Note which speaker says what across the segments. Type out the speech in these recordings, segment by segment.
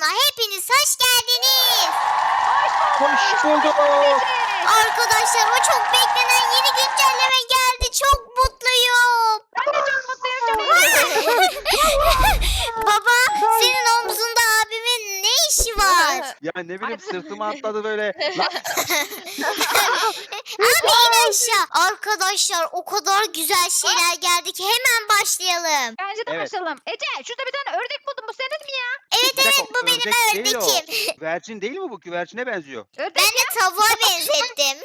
Speaker 1: kanalına hepiniz hoş geldiniz.
Speaker 2: Hoş bulduk.
Speaker 1: Arkadaşlar o çok beklenen yeni güncelleme geldi. Çok mutluyum.
Speaker 3: Ben de çok mutluyum.
Speaker 1: Baba senin omzunda abimin ne işi var?
Speaker 2: Ya ne bileyim sırtıma atladı böyle. Lan,
Speaker 1: Abi in aşağı. Arkadaşlar o kadar güzel şeyler geldi ki hemen başlayalım.
Speaker 3: Bence de
Speaker 2: Evet.
Speaker 3: başlayalım. Ece şurada bir tane ördek buldum. Bu senin mi ya?
Speaker 1: Evet
Speaker 2: bir dakika,
Speaker 1: evet bu benim
Speaker 2: ördek değil o.
Speaker 1: ördekim.
Speaker 2: Güvercin değil mi bu? Güvercine benziyor.
Speaker 3: Ördek
Speaker 1: Ben de tavuğa benzettim.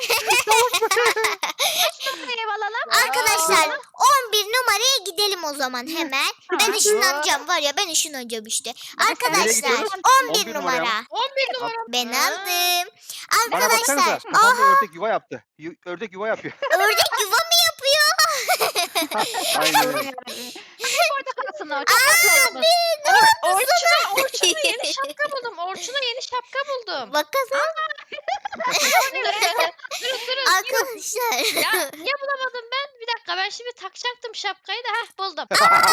Speaker 3: ev alalım.
Speaker 1: Arkadaşlar 11 numaraya gidelim o zaman hemen. Ben
Speaker 3: Tamam.
Speaker 1: ışınlanacağım var ya ben ışınlanacağım işte.
Speaker 2: Nereye
Speaker 1: Arkadaşlar
Speaker 2: gidiyoruz?
Speaker 1: 11
Speaker 2: 11 numara
Speaker 1: numara.
Speaker 4: 11 numara.
Speaker 1: Ben aldım.
Speaker 2: Bana baksanıza.
Speaker 1: Arkadaşlar
Speaker 2: Kafamda ördek yuva yaptı. Ördek yuva yapıyor.
Speaker 1: ördek yuva mı yapıyor?
Speaker 2: Aynen öyle.
Speaker 3: Orada kalsın o. Çok tatlı olmuş.
Speaker 4: Orçun'a yeni şapka buldum. Orçun'a yeni şapka buldum.
Speaker 1: Bakalım
Speaker 4: Durun.
Speaker 1: arkadaşlar.
Speaker 4: Ya niye bulamadım ben? Bir dakika ben şimdi takacaktım şapkayı da buldum.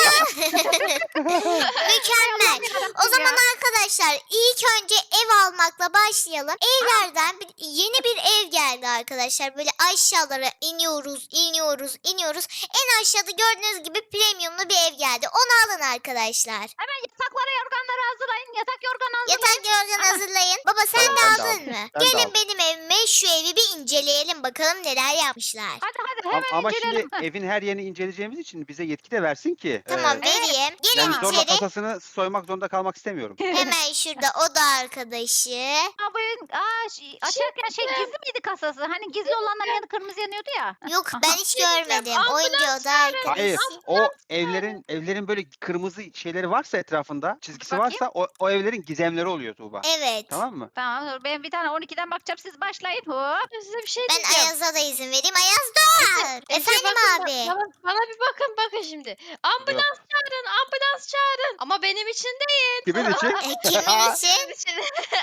Speaker 1: Mükemmel. O zaman arkadaşlar ilk önce ev almakla başlayalım. Evlerden yeni bir ev geldi arkadaşlar. Böyle aşağılara iniyoruz. En aşağıda gördüğünüz gibi premiumlu bir ev geldi. Onu alın arkadaşlar.
Speaker 3: Hemen yataklara yorganları hazırlayın. Yatak yorgan hazırlayın.
Speaker 1: Yatak yorgan hazırlayın. Baba sen
Speaker 2: Tamam,
Speaker 1: de
Speaker 2: ben de
Speaker 1: aldın
Speaker 2: aldım.
Speaker 1: mı?
Speaker 2: Ben de
Speaker 1: Gelin
Speaker 2: aldım.
Speaker 1: benim evime şu evi bir inceleyelim bakalım neler yapmışlar.
Speaker 3: Hadi hemen
Speaker 2: Ama
Speaker 3: inceleyelim.
Speaker 2: şimdi evin her yerini inceleyeceğimiz için bize yetki de versin ki.
Speaker 1: Tamam
Speaker 3: Evet.
Speaker 1: vereyim. Gelin
Speaker 2: Yani zorla
Speaker 1: içeri.
Speaker 2: kasasını soymak zorunda kalmak istemiyorum.
Speaker 1: Hemen şurada oda arkadaşı.
Speaker 3: Aa, bu açarken gizli miydi kasası? Hani gizli olanların yanı kırmızı yanıyordu ya.
Speaker 1: Yok ben hiç görmedim.
Speaker 4: Ambulans
Speaker 1: Oyuncu oda arkadaşı.
Speaker 2: Hayır, o evlerin böyle kırmızı şeyleri varsa etrafında, çizgisi
Speaker 3: Bakayım.
Speaker 2: varsa o evlerin gizemleri oluyor Tuğba.
Speaker 1: Evet.
Speaker 2: Tamam mı?
Speaker 3: Tamam dur ben bir tane 12'den bakacağım siz başlayın. Hop.
Speaker 4: Size bir şey
Speaker 1: Ben
Speaker 4: diyeceğim.
Speaker 1: Ayaz'a da izin vereyim. Ayaz doğar.
Speaker 4: Ece,
Speaker 1: Efendim
Speaker 4: bakın,
Speaker 1: abi.
Speaker 4: Bana bir bakın şimdi. Ambulans çağırın. Ama benim için değil.
Speaker 2: Kimin için?
Speaker 1: Kimin için?
Speaker 4: Benim için.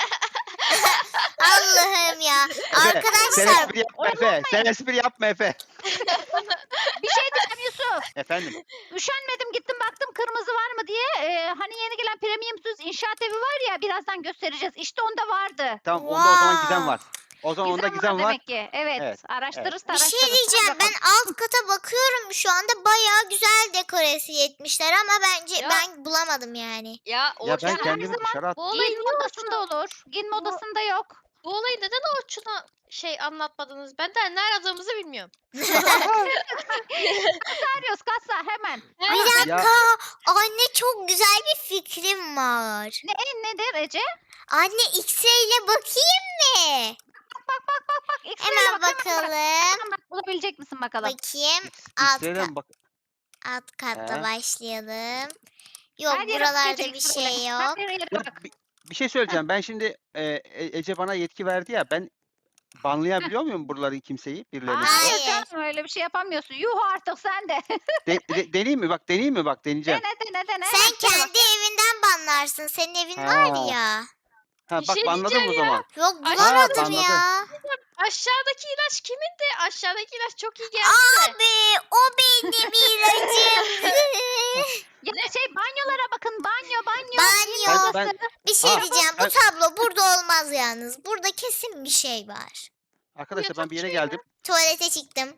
Speaker 1: Allah'ım ya.
Speaker 2: Sen
Speaker 1: Arkadaşlar
Speaker 2: espri yapma Efe. Sen espri yapma Efe.
Speaker 3: Bir şey diyeceğim Yusuf.
Speaker 2: Efendim.
Speaker 3: Üşenmedim gittim baktım kırmızı var mı diye. Hani yeni gelen premiumsuz inşaat evi var ya birazdan göstereceğiz. İşte onda vardı.
Speaker 2: Tamam onda o zaman
Speaker 1: Wow.
Speaker 2: gizem var. O zaman onda gizem var.
Speaker 3: demek ki. Evet.
Speaker 2: Evet,
Speaker 3: Araştırırız
Speaker 1: bir şey
Speaker 3: araştırırız.
Speaker 1: diyeceğim.
Speaker 3: Hadi
Speaker 1: Ben
Speaker 3: bakalım.
Speaker 1: alt kata bakıyorum şu anda. Bayağı güzel dekoresi etmişler ama bence
Speaker 4: Ya.
Speaker 1: ben bulamadım yani.
Speaker 4: Ya
Speaker 2: Ya
Speaker 4: Orçun
Speaker 2: ben
Speaker 3: her
Speaker 2: kendimi
Speaker 3: zaman
Speaker 2: dışarı attım.
Speaker 4: bu olayı
Speaker 3: Giyinme
Speaker 4: niye
Speaker 3: odasında olur. Giyinme odasında yok.
Speaker 4: Bu olayı neden Orçun'a anlatmadınız? Ben de ne aradığımızı bilmiyorum.
Speaker 3: Arıyoruz kasa hemen.
Speaker 1: Bir
Speaker 2: Ya
Speaker 1: dakika. Anne çok güzel bir fikrim var.
Speaker 3: Nedir Ece?
Speaker 1: Anne X-ray ile bakayım mı?
Speaker 3: Bak.
Speaker 1: Hemen bakalım.
Speaker 3: Hemen bak bulabilecek misin bakalım.
Speaker 1: Bakayım. Alt,
Speaker 2: X'den bak.
Speaker 1: alt katta
Speaker 2: He.
Speaker 1: başlayalım. Yok
Speaker 3: Her yere
Speaker 1: buralarda
Speaker 3: bakacak
Speaker 1: bir
Speaker 3: X-ray'le.
Speaker 1: şey
Speaker 3: Her
Speaker 1: yok.
Speaker 3: yere
Speaker 2: Ya,
Speaker 3: bak.
Speaker 2: bir şey söyleyeceğim. Ben şimdi Ece bana yetki verdi ya. Ben banlayabiliyor muyum buraları kimseyi? Birilerini?
Speaker 1: Hayır.
Speaker 3: Hayır canım öyle bir şey yapamıyorsun. Yuh artık sen de.
Speaker 2: Deneyeyim mi? Bak deneyeyim mi? Bak deneyeceğim.
Speaker 3: dene.
Speaker 1: Sen
Speaker 3: Şöyle bak.
Speaker 1: kendi evinden banlarsın. Senin evin
Speaker 2: Ha.
Speaker 1: var ya.
Speaker 2: Ha
Speaker 4: Bir
Speaker 2: bak
Speaker 4: şey
Speaker 2: banladım o
Speaker 4: diyeceğim
Speaker 2: zaman.
Speaker 1: Yok
Speaker 4: Ay,
Speaker 1: bulamadım
Speaker 2: banladı.
Speaker 1: ya.
Speaker 4: Aşağıdaki ilaç kimindi? Aşağıdaki ilaç çok iyi geldi.
Speaker 1: Abi o benim ilacım.
Speaker 3: Ya banyolara bakın banyo.
Speaker 1: Banyo.
Speaker 2: Ben-
Speaker 1: Bir şey
Speaker 2: Aa,
Speaker 1: diyeceğim. Bu
Speaker 2: ben-
Speaker 1: tablo burada olmaz yalnız. Burada kesin bir şey var.
Speaker 2: Arkadaşlar ben bir yere
Speaker 4: Yatak şey
Speaker 2: geldim.
Speaker 1: Tuvalete çıktım.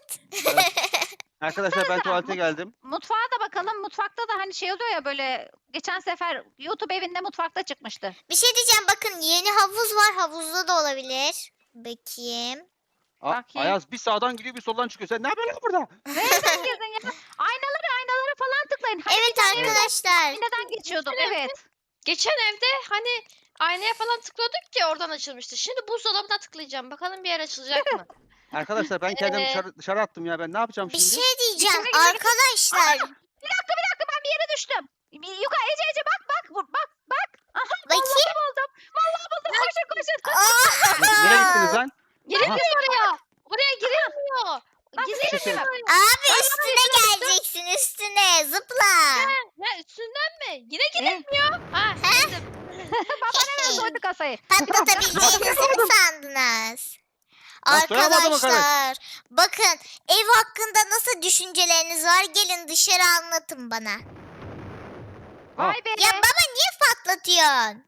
Speaker 2: Arkadaşlar ben tuvalete geldim.
Speaker 3: Mutfağa da bakalım. Mutfakta da hani şey oluyor ya böyle geçen sefer YouTube evinde mutfakta çıkmıştı.
Speaker 1: Bir şey diyeceğim. Bakın yeni havuz var. Havuzda da olabilir. Bakayım.
Speaker 3: Bakayım.
Speaker 2: Ayaz bir sağdan gidiyor bir soldan çıkıyor. Sen ne yapıyorsun burada?
Speaker 3: Nereden girdin ya? Aynalara falan tıklayın. Hani
Speaker 1: Evet
Speaker 3: bir tane
Speaker 1: arkadaşlar.
Speaker 3: aynadan geçiyorduk. Evet.
Speaker 4: Geçen evde hani aynaya falan tıklıyorduk ki oradan açılmıştı. Şimdi buzdolabına tıklayacağım. Bakalım bir yer açılacak mı?
Speaker 2: Arkadaşlar ben kendimi
Speaker 4: Ee,
Speaker 2: dışarı attım ya. Ben ne yapacağım
Speaker 1: Bir
Speaker 2: şimdi?
Speaker 1: şey diyeceğim.
Speaker 3: Dışarı gidelim.
Speaker 1: Arkadaşlar.
Speaker 3: Bir dakika ben bir yere düştüm. Yukarı Ece bak. Aha
Speaker 1: Bakayım.
Speaker 3: Vallahi buldum. Koşun.
Speaker 2: Nereye gittiniz lan?
Speaker 4: Girilmiyor oraya. Oraya girilmiyor.
Speaker 2: Bir şey söyle.
Speaker 1: Abi üstüne geleceksin üstüne. Zıpla.
Speaker 4: Ne üstünden mi? Yine girilmiyor. Ha, geldim.
Speaker 3: Baba hemen soydu kasayı.
Speaker 1: Patlatabileceğinizi mi sandınız?
Speaker 2: Ben soyamadım o kadar.
Speaker 1: Arkadaşlar bakın ev hakkında nasıl düşünceleriniz var gelin dışarı anlatın bana.
Speaker 3: Vay be.
Speaker 1: Ya baba niye patlatıyorsun?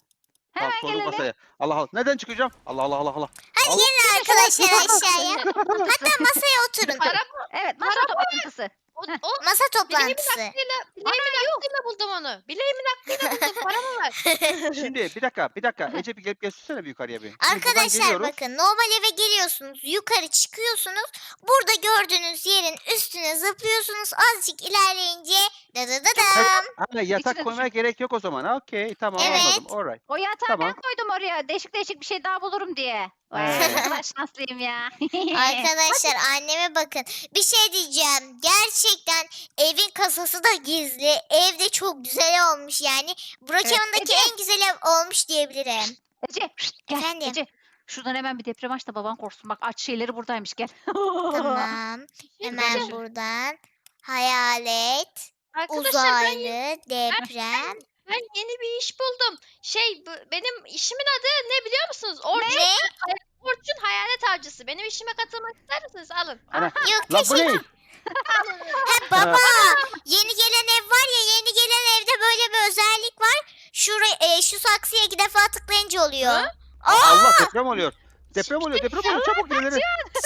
Speaker 3: Hemen
Speaker 2: Tamam, sordum
Speaker 3: gelelim.
Speaker 2: masaya. Allah Allah. Nereden çıkacağım? Allah Allah Allah Allah.
Speaker 1: Hadi
Speaker 2: Allah.
Speaker 1: gelin arkadaşlar aşağıya. Hatta masaya oturun.
Speaker 4: Para
Speaker 3: Evet masa toplantısı.
Speaker 4: o,
Speaker 3: Heh.
Speaker 4: o
Speaker 1: Masa
Speaker 4: bileğimin
Speaker 1: toplantısı.
Speaker 4: aklıyla buldum onu. Bileğimin aklıyla buldum. Para mı var?
Speaker 2: Şimdi bir dakika. Ece bir gelip göstersene bir yukarıya bir. Şimdi buradan
Speaker 1: Arkadaşlar
Speaker 2: geliyoruz.
Speaker 1: bakın normal eve geliyorsunuz. Yukarı çıkıyorsunuz. Burada gördüğünüz yerin üstüne zıplıyorsunuz. Azıcık ilerleyince dadadadam.
Speaker 2: Ha, yatak
Speaker 3: İçine
Speaker 2: koymaya gerek yok o zaman. Okey, tamam,
Speaker 1: Evet.
Speaker 2: anladım. Alright.
Speaker 3: O yatağı
Speaker 2: Tamam.
Speaker 3: ben koydum oraya. Değişik değişik bir şey daha bulurum diye. Vay,
Speaker 2: Evet.
Speaker 3: ne kadar şanslıyım ya.
Speaker 1: Arkadaşlar anneme bakın. Bir şey diyeceğim. Gerçekten evin kasası da gizli. Ev de çok güzel olmuş yani. Brokeman'daki
Speaker 3: Ece.
Speaker 1: en güzel ev olmuş diyebilirim.
Speaker 3: Ece şşt, gel
Speaker 1: Efendim?
Speaker 3: Ece. Şuradan hemen bir deprem aç da baban korksun. Bak aç şeyleri buradaymış gel.
Speaker 1: Tamam. Hemen buradan. Hayalet,
Speaker 4: Arkadaşlar
Speaker 1: uzaylı, deprem.
Speaker 4: ben yeni bir iş buldum. Benim işimin adı ne biliyor musunuz?
Speaker 1: Ne?
Speaker 4: Orçun Hayalet Avcısı. Benim işime katılmak ister misiniz? Alın.
Speaker 1: Yok
Speaker 2: Lan bu
Speaker 1: teşekkür.
Speaker 2: ne?
Speaker 1: Ha, baba yeni gelen ev var ya, yeni gelen evde böyle bir özellik var. Şu saksıya 2 defa tıklayınca oluyor.
Speaker 4: Ha?
Speaker 2: Allah, deprem oluyor. Deprem oluyor. Çabuk ileri.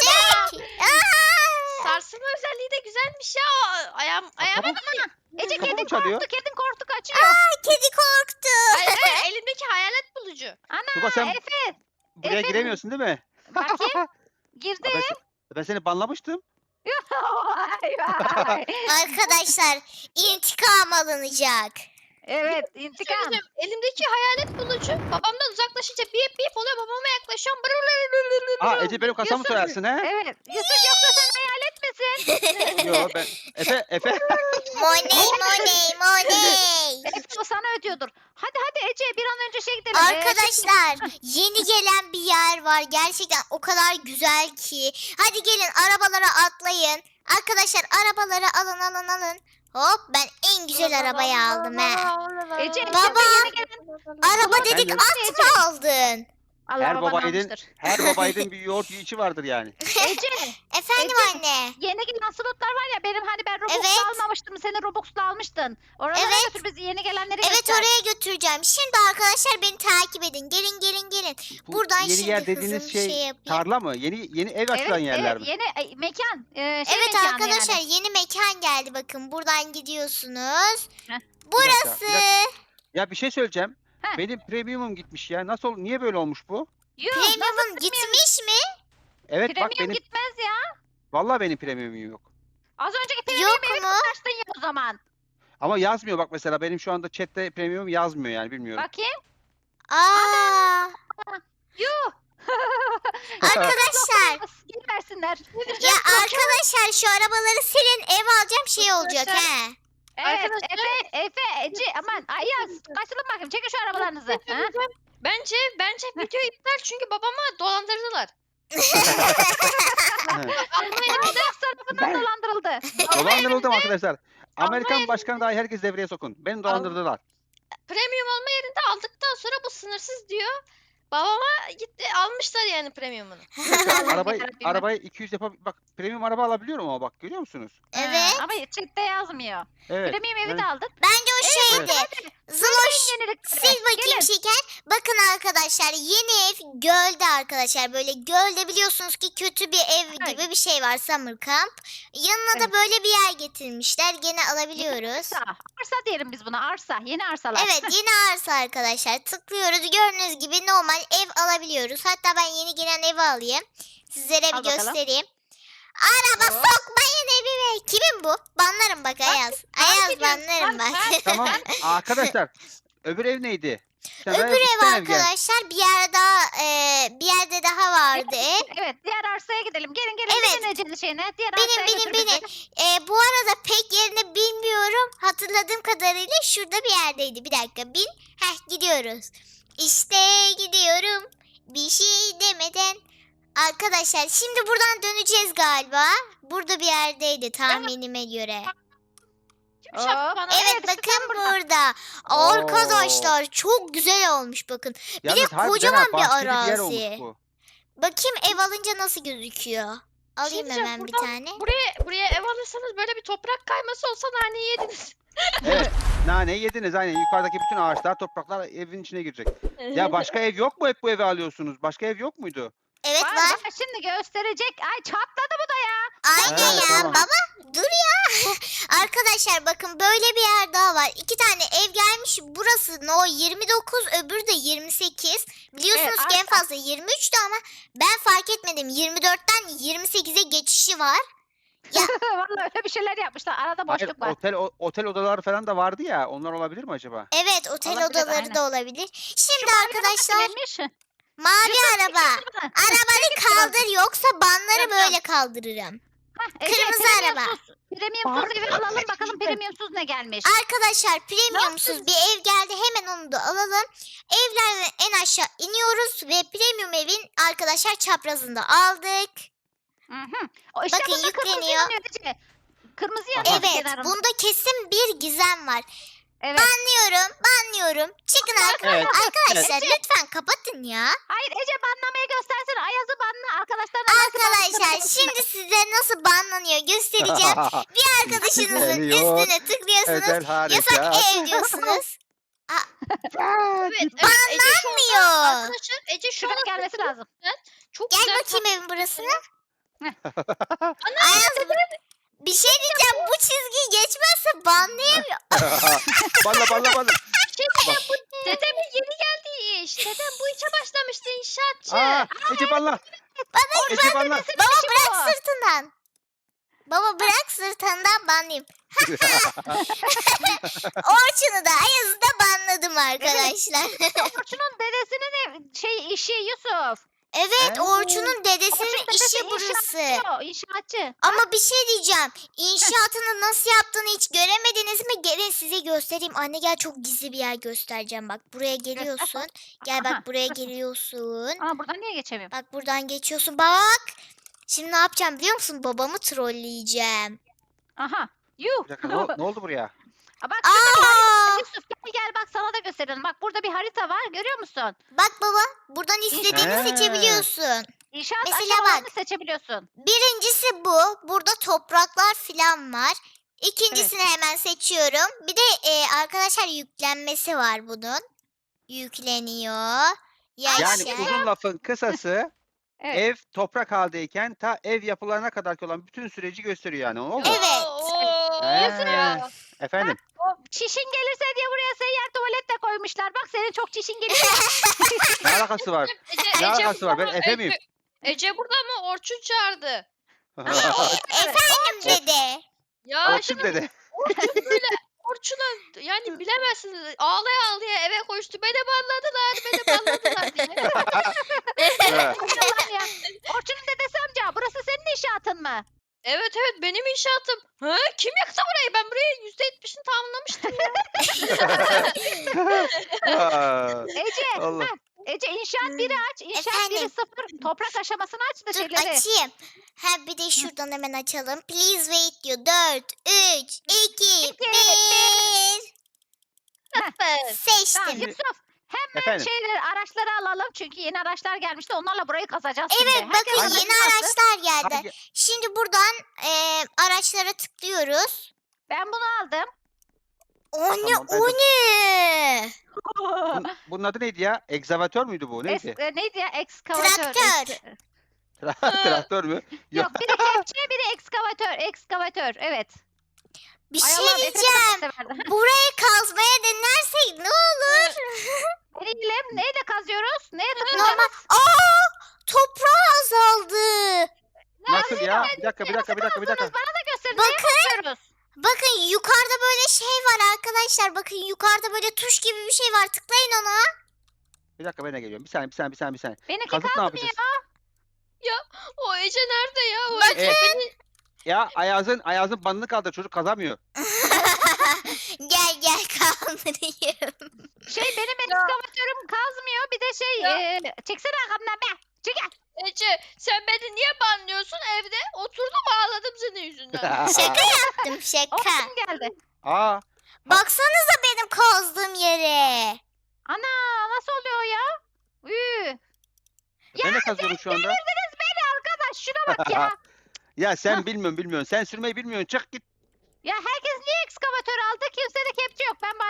Speaker 4: Sarsılma özelliği de güzelmiş ya. Ayağıma
Speaker 3: Ece
Speaker 2: Kapı mı
Speaker 3: kedin
Speaker 2: çalıyor?
Speaker 3: korktu kedin korktu kaçıyor.
Speaker 1: Kedi korktu.
Speaker 4: Hayır, elimdeki hayalet bulucu.
Speaker 2: Tuba, sen
Speaker 3: Efe
Speaker 2: buraya
Speaker 3: efendim?
Speaker 2: giremiyorsun değil mi?
Speaker 3: bakayım. Girdi.
Speaker 2: Ben seni banlamıştım.
Speaker 3: Vay vay.
Speaker 1: Arkadaşlar intikam alınacak.
Speaker 3: Evet intikam.
Speaker 4: Söyleyeceğim, elimdeki hayalet bulucu babamdan uzaklaşınca bip bip oluyor. Babama yaklaşıyorum.
Speaker 2: Aa, Ece benim kasamı
Speaker 3: Yusuf.
Speaker 2: soyarsın he?
Speaker 3: Evet. Yusuf yoksa sen hayalet misin?
Speaker 2: Yo, ben Efe.
Speaker 1: Money money money.
Speaker 3: Efe o sana ödüyordur. Hadi Ece bir an önce şey gidelim.
Speaker 1: Arkadaşlar yeni gelen bir yer var. Gerçekten o kadar güzel ki. Hadi gelin arabalara atlayın. Arkadaşlar arabaları alın. Hop, ben en güzel arabayı aldım he.
Speaker 3: Ece
Speaker 1: Baba,
Speaker 3: şimdi yeni gelen
Speaker 1: Araba dedik
Speaker 2: Ben-
Speaker 1: at mı aldın?
Speaker 3: Allah
Speaker 2: Her
Speaker 3: baban
Speaker 2: babaydın,
Speaker 3: almıştır.
Speaker 2: her babaydın bir yoğurt yiyişi vardır yani.
Speaker 3: Ece
Speaker 1: Efendim
Speaker 3: Ece.
Speaker 1: anne.
Speaker 3: yeni gelen slotlar var ya benim hani ben Robux'la
Speaker 1: Evet.
Speaker 3: almamıştım. Seni Robux'la almıştın. Oralara
Speaker 1: Evet.
Speaker 3: götür bizi yeni gelenleri
Speaker 1: Evet,
Speaker 3: göster.
Speaker 1: oraya götüreceğim. Şimdi arkadaşlar beni takip edin. Gelin.
Speaker 2: Bu
Speaker 1: Buradan
Speaker 2: yeni
Speaker 1: şimdi
Speaker 2: yer
Speaker 1: hızlı
Speaker 2: dediğiniz
Speaker 1: bir
Speaker 2: şey,
Speaker 1: şey yapayım.
Speaker 2: tarla mı? Yeni ev açılan yerler mi?
Speaker 3: Yeni mekan.
Speaker 1: Evet
Speaker 3: mekanı
Speaker 1: arkadaşlar
Speaker 3: yani.
Speaker 1: yeni mekan geldi, bakın buradan gidiyorsunuz.
Speaker 3: Heh.
Speaker 1: Burası.
Speaker 2: Bir dakika. Ya bir şey söyleyeceğim.
Speaker 3: Heh.
Speaker 2: Benim premiumum gitmiş ya. Niye böyle olmuş bu?
Speaker 3: Yuh,
Speaker 1: Premium'un gitmiş mi?
Speaker 2: Evet bak,
Speaker 3: premium
Speaker 2: benim
Speaker 3: gitmez ya.
Speaker 2: vallahi benim premiumum yok.
Speaker 3: Az önceki premium
Speaker 1: Yok
Speaker 3: evi
Speaker 1: mu?
Speaker 3: kaçtın ya o zaman.
Speaker 2: Ama yazmıyor bak, mesela benim şu anda chatte premium yazmıyor yani, bilmiyorum.
Speaker 3: Bakayım.
Speaker 1: Aa,
Speaker 3: Yuh.
Speaker 1: arkadaşlar
Speaker 3: Geri versinler.
Speaker 1: ya arkadaşlar şu arabaları silin, ev alacağım, şey olacak he.
Speaker 3: Evet
Speaker 4: Arkadaşlar-
Speaker 3: Efe Ece aman Ayaz kaçılın bakayım çekin şu arabalarınızı. Ha?
Speaker 4: Bence video iptal çünkü babamı dolandırdılar.
Speaker 3: Alex tarafından dolandırıldı.
Speaker 2: Dolandırıldım arkadaşlar. Amerikan
Speaker 4: yerinde-
Speaker 2: başkanı dahi herkes devreye sokun. Beni dolandırdılar.
Speaker 4: Premium alma yerinde aldıktan sonra bu sınırsız diyor. Babama gitti almışlar yani premiumunu.
Speaker 2: arabayı
Speaker 3: yarabbim.
Speaker 2: arabayı 200 bak, premium araba alabiliyorum ama bak, görüyor musunuz?
Speaker 1: Evet.
Speaker 3: Ama chatte yazmıyor.
Speaker 2: Evet.
Speaker 3: Premium evi
Speaker 2: yani-
Speaker 3: de aldık.
Speaker 1: Bence o şeydi. Zıloş.
Speaker 3: Yenilikleri.
Speaker 1: Sil bakayım şeker. Bakın arkadaşlar yeni ev gölde arkadaşlar. Böyle gölde biliyorsunuz ki kötü bir ev
Speaker 3: Ay.
Speaker 1: gibi bir şey var, summer camp. Yanına da
Speaker 3: Evet.
Speaker 1: böyle bir yer getirmişler. Gene alabiliyoruz.
Speaker 3: Arsa. Arsa diyelim biz buna arsa. Yeni arsalar.
Speaker 1: Evet, yeni arsa arkadaşlar. Tıklıyoruz, gördüğünüz gibi normal ev alabiliyoruz. Hatta ben yeni gelen evi alayım. Sizlere
Speaker 3: Al
Speaker 1: bir
Speaker 3: bakalım.
Speaker 1: göstereyim. Araba
Speaker 3: Hop.
Speaker 1: sokmayın evime. Kimin bu? Banlarım bak Ayaz. Ayaz
Speaker 3: gidiyorum.
Speaker 1: banlarım bak.
Speaker 2: Tamam arkadaşlar. Öbür ev neydi? Sen
Speaker 1: Öbür
Speaker 2: iki
Speaker 1: ev
Speaker 2: tane ev gel.
Speaker 1: arkadaşlar bir yer daha bir yerde daha vardı ev.
Speaker 3: Evet diğer arsaya gidelim. Gelin
Speaker 1: Evet.
Speaker 3: Gelin Ece'li şeyine. Diğer
Speaker 1: Benim,
Speaker 3: arsaya
Speaker 1: benim,
Speaker 3: götür bizi.
Speaker 1: benim. Bu arada pek yerini bilmiyorum. Hatırladığım kadarıyla şurada bir yerdeydi. Bir dakika bin. Gidiyoruz. İşte gidiyorum. Bir şey demeden. Arkadaşlar şimdi buradan döneceğiz galiba. Burada bir yerdeydi tahminime göre.
Speaker 4: Kim şaptı bana?
Speaker 1: Evet
Speaker 3: işte
Speaker 1: bakın
Speaker 3: tam burada.
Speaker 1: burada. Arkadaşlar çok güzel olmuş bakın.
Speaker 2: Yalnız harbiden
Speaker 1: kocaman
Speaker 2: ha,
Speaker 1: bir
Speaker 2: bahçeli yer
Speaker 1: arazi.
Speaker 2: olmuş bu.
Speaker 1: Bakayım ev alınca nasıl gözüküyor. Alayım
Speaker 4: diyeceğim,
Speaker 1: hemen bir
Speaker 4: buradan-
Speaker 1: tane.
Speaker 4: Buraya ev alırsanız böyle bir toprak kayması olsa naneyi yediniz.
Speaker 2: Evet. Naneyi yediniz aynen. Yukarıdaki bütün ağaçlar, topraklar evin içine girecek. Ya başka ev yok mu? Hep bu evi alıyorsunuz. Başka ev yok muydu?
Speaker 1: Evet
Speaker 3: Var,
Speaker 1: var.
Speaker 3: var, şimdi gösterecek. Ay çatladı bu da ya.
Speaker 1: Aynen
Speaker 2: Evet,
Speaker 1: ya
Speaker 2: tamam.
Speaker 1: baba. Dur ya. Arkadaşlar bakın böyle bir yer daha var. 2 tane ev gelmiş. Burası no 29, öbürü de 28. Biliyorsunuz
Speaker 3: Evet,
Speaker 1: ki en fazla 23'tü ama ben fark etmedim. 24'ten 28'e geçişi var.
Speaker 3: Vallahi öyle bir şeyler yapmışlar. Arada
Speaker 2: Hayır,
Speaker 3: boşluk var.
Speaker 2: otel odaları falan da vardı ya. Onlar olabilir mi acaba?
Speaker 1: Evet, otel
Speaker 3: Olabilir,
Speaker 1: odaları
Speaker 3: aynen.
Speaker 1: da olabilir. Şimdi
Speaker 3: Şu mavi
Speaker 1: arkadaşlar
Speaker 3: araba kimmiş?
Speaker 1: mavi
Speaker 3: Yusuf,
Speaker 1: araba.
Speaker 3: çeksene bana.
Speaker 1: Arabanı kaldır yoksa banları
Speaker 4: Tamam.
Speaker 1: böyle kaldırırım.
Speaker 3: Hah, Ece,
Speaker 1: Kırmızı
Speaker 3: premium
Speaker 1: araba.
Speaker 3: sus. Premiumsuz evi alalım bakalım premiumsuz ne gelmiş.
Speaker 1: Arkadaşlar premiumsuz bir ev geldi. Hemen onu da alalım. Evlerden en aşağı iniyoruz ve premium evin arkadaşlar çaprazında aldık.
Speaker 3: Hı. O işte
Speaker 1: Bakın
Speaker 3: bunda kırmızı
Speaker 1: yükleniyor.
Speaker 3: yanıyor Ece. Kırmızı yanıyor
Speaker 1: Evet,
Speaker 3: kenarında.
Speaker 1: bunda kesin bir gizem var.
Speaker 3: Evet.
Speaker 1: Banlıyorum. Çıkın
Speaker 2: Evet,
Speaker 1: arkadaşlar. Lütfen kapatın ya.
Speaker 3: Hayır Ece banlamayı göstersene. Ayaz'ı banla.
Speaker 1: Arkadaşlar şimdi size nasıl banlanıyor göstereceğim. Bir arkadaşınızın
Speaker 2: Geliyor.
Speaker 1: üstüne tıklıyorsunuz.
Speaker 2: Özel
Speaker 1: Yasak
Speaker 2: harekat.
Speaker 1: ev diyorsunuz.
Speaker 4: Evet, Ece şu anda,
Speaker 1: Banlanmıyor.
Speaker 4: arkadaşlar Ece şu
Speaker 3: Şuraya
Speaker 4: anda
Speaker 3: gelmesi lazım.
Speaker 4: çok
Speaker 1: Gel
Speaker 4: güzel
Speaker 1: bakayım evin burasına.
Speaker 4: Ana,
Speaker 1: Ayaz bir şey diyeceğim. Bu çizgiyi geçmezse banlayamıyor.
Speaker 2: Balla.
Speaker 4: Dedemin yeni geldiği iş. Dedem bu işe başlamıştı inşaatçı.
Speaker 2: Aa, Ece balla. Ece balla.
Speaker 1: Baba bırak sırtından. Baba bırak sırtından banlayayım. Orçun'u da Ayaz'ı da banladım arkadaşlar.
Speaker 3: Orçun'un dedesinin işi Yusuf.
Speaker 1: Evet
Speaker 2: He?
Speaker 1: Orçun'un dedesinin
Speaker 3: Orçun dedesi
Speaker 1: işi burası.
Speaker 3: İnşaatçı.
Speaker 1: Ama bir şey diyeceğim. İnşaatını nasıl yaptığını hiç göremediniz mi? Gelin size göstereyim. Anne gel çok gizli bir yer göstereceğim. Bak buraya geliyorsun. Gel
Speaker 3: Aha.
Speaker 1: bak buraya geliyorsun.
Speaker 3: Aa buradan niye geçemiyorum?
Speaker 1: Bak buradan geçiyorsun. Bak. Şimdi ne yapacağım biliyor musun? Babamı trolleyeceğim.
Speaker 3: Aha. Yuh.
Speaker 2: Bir dakika, ne oldu buraya?
Speaker 3: Aa, bak şurada bir harita var
Speaker 1: Aa!
Speaker 3: Yusuf. Gel bak sana da gösterelim. Bak burada bir harita var. Görüyor musun?
Speaker 1: Bak baba. Buradan istediğini
Speaker 2: He.
Speaker 1: seçebiliyorsun.
Speaker 3: İnşaat
Speaker 1: Mesela
Speaker 3: aşamalarını
Speaker 1: bak.
Speaker 3: seçebiliyorsun.
Speaker 1: Birincisi bu. Burada topraklar filan var. İkincisini hemen seçiyorum. Bir de arkadaşlar yüklenmesi var bunun. Yükleniyor.
Speaker 2: Yani
Speaker 1: Yaşa.
Speaker 2: uzun lafın kısası
Speaker 3: Evet.
Speaker 2: ev toprak haldeyken ta ev yapılarına kadar olan bütün süreci gösteriyor yani. Oldu mu?
Speaker 1: Evet.
Speaker 4: Ya.
Speaker 2: Efendim.
Speaker 3: Çişin gelirse diye buraya seyyar tuvalet de koymuşlar. Bak senin çok çişin geliyor.
Speaker 2: Ne alakası var? Ne alakası var? Ben Efe miyim?
Speaker 4: Ece burada mı? Orçun çağırdı.
Speaker 1: Efendim dede.
Speaker 4: Ya
Speaker 2: Orçun
Speaker 4: şimdi
Speaker 2: dedi.
Speaker 4: Orçun böyle Orçun'a yani bilemezsiniz ağlaya ağlaya eve koştu. Beni banladılar diye.
Speaker 2: Evet.
Speaker 3: Yalan ya. Orçun'un dedesi amca burası senin inşaatın mı?
Speaker 4: Evet benim inşaatım. Ha, kim yaktı burayı? Ben burayı %70'ini tamamlamıştım ya.
Speaker 2: Aa,
Speaker 3: Ece.
Speaker 2: Allah.
Speaker 3: Ece inşaat 1'i aç. İnşaat
Speaker 1: Efendim?
Speaker 3: 1'i 0. Toprak aşamasını aç da
Speaker 1: Dur
Speaker 3: şeyleri.
Speaker 1: açayım. Ha bir de şuradan hemen açalım. Please wait diyor. 4, 3, 2, 1.
Speaker 3: Tamam
Speaker 1: Seçtim.
Speaker 3: Yusuf. Hemen
Speaker 2: Efendim.
Speaker 3: araçları alalım. Çünkü yeni araçlar gelmişti. Onlarla burayı kazacağız
Speaker 1: Evet
Speaker 3: şimdi. Herkes
Speaker 1: bakın
Speaker 3: aracını
Speaker 1: yeni
Speaker 3: alsın.
Speaker 1: araçlar geldi.
Speaker 2: Hangi-
Speaker 1: Şimdi buradan araçlara tıklıyoruz.
Speaker 3: Ben bunu aldım.
Speaker 1: O ne
Speaker 2: Tamam, ben
Speaker 1: o
Speaker 2: de-
Speaker 1: ne?
Speaker 2: Bunun adı neydi ya? Egzavatör müydü bu? Neydi?
Speaker 3: Neydi ya? Ekskavatör.
Speaker 1: Traktör.
Speaker 2: Traktör mü?
Speaker 3: Yok biri kepçe biri ekskavatör. Evet.
Speaker 1: Bir
Speaker 3: Ay
Speaker 1: şey
Speaker 3: Allah'ım, Efe de çok
Speaker 1: diyeceğim.
Speaker 3: severdi.
Speaker 1: Burayı kazmaya denersek ne olur?
Speaker 3: Neyle kazıyoruz? Neye
Speaker 1: Normal.
Speaker 3: tıklıyoruz?
Speaker 1: Toprağı azaldı.
Speaker 2: Nasıl ya? Bir dakika.
Speaker 3: Bana da gösterin.
Speaker 1: Bakın.
Speaker 3: Neye basıyoruz?
Speaker 1: Bakın yukarıda böyle şey var arkadaşlar. Bakın yukarıda böyle tuş gibi bir şey var. Tıklayın ona.
Speaker 2: Bir dakika ben de geliyorum. Bir saniye.
Speaker 3: Benimki
Speaker 2: Kazık ne
Speaker 3: kazmıyor.
Speaker 2: yapacağız?
Speaker 4: O Ece nerede ya? O
Speaker 1: Bakın.
Speaker 4: Ece beni
Speaker 2: Ya Ayaz'ın bandını kaldır. Çocuk kazamıyor.
Speaker 1: Gel kaldırayım.
Speaker 3: Benim ekskavatörüm kazmıyor. Bir de çeksene arkamdan be. Çekil.
Speaker 4: Ece sen beni niye banlıyorsun evde? Oturdum ağladım senin yüzünden.
Speaker 1: Şaka yaptım şaka.
Speaker 3: Orçun geldi.
Speaker 2: Aa,
Speaker 1: Baksanıza benim kazdığım yere.
Speaker 3: Ana nasıl oluyor ya?
Speaker 2: ben de kazıyorum şu anda.
Speaker 3: Devirdiniz beni arkadaş. Şuna bak ya.
Speaker 2: Ya sen bilmiyorsun. Sen sürmeyi bilmiyorsun. Çık git.
Speaker 3: Ya herkes niye ekskavatör aldı? Kimse de kepçe yok. Ben